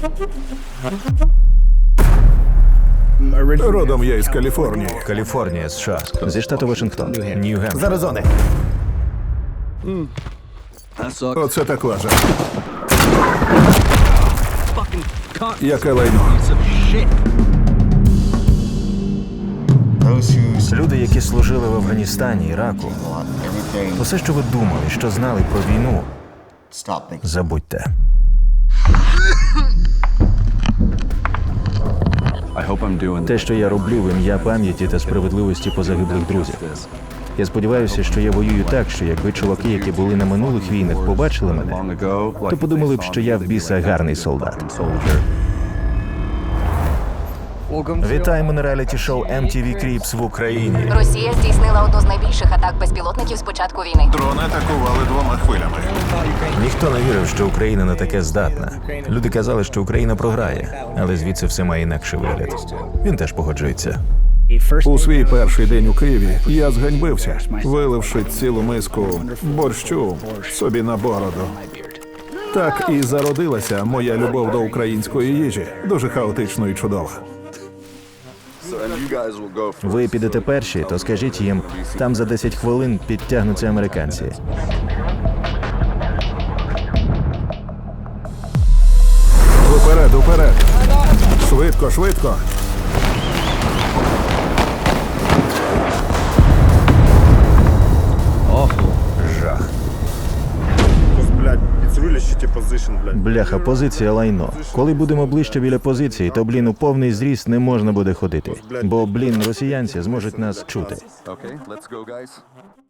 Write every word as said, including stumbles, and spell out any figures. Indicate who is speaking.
Speaker 1: Родом я із Каліфорнії.
Speaker 2: Каліфорнія, США. Зі штату Вашингтон. Нью-Гемпшир.
Speaker 1: З Аризони. Оце так лажа. Яке лайно.
Speaker 2: Люди, які служили в Афганістані, Іраку, усе, що ви думали, що знали про війну, забудьте. Те, що я роблю в ім'я пам'яті та справедливості позагиблих друзів. Я сподіваюся, що я воюю так, що якби чуваки, які були на минулих війнах, побачили мене, то подумали б, що я в біса гарний солдат. Вітаємо на реаліті-шоу ем ті ві Cribs в Україні.
Speaker 3: Росія здійснила одну з найбільших атак безпілотників з початку війни.
Speaker 1: Дрони атакували двома хвилями.
Speaker 2: Ніхто не вірив, що Україна на таке здатна. Люди казали, що Україна програє, але звідси все має інакший вигляд. Він теж погоджується.
Speaker 1: У свій перший день у Києві я зганьбився, виливши цілу миску борщу собі на бороду. Так і зародилася моя любов до української їжі. Дуже хаотично і чудова.
Speaker 2: Ви підете перші, то скажіть їм, там за десять хвилин підтягнуться американці.
Speaker 1: Уперед, уперед! Швидко, швидко!
Speaker 2: Жах.
Speaker 4: Блядь, it's really shitty position, блядь.
Speaker 2: Бляха, позиція лайно. Коли будемо ближче біля позиції, то, блін, у повний зріст не можна буде ходити. Бо, блін, росіянці зможуть нас чути.
Speaker 5: Okay, let's go, guys.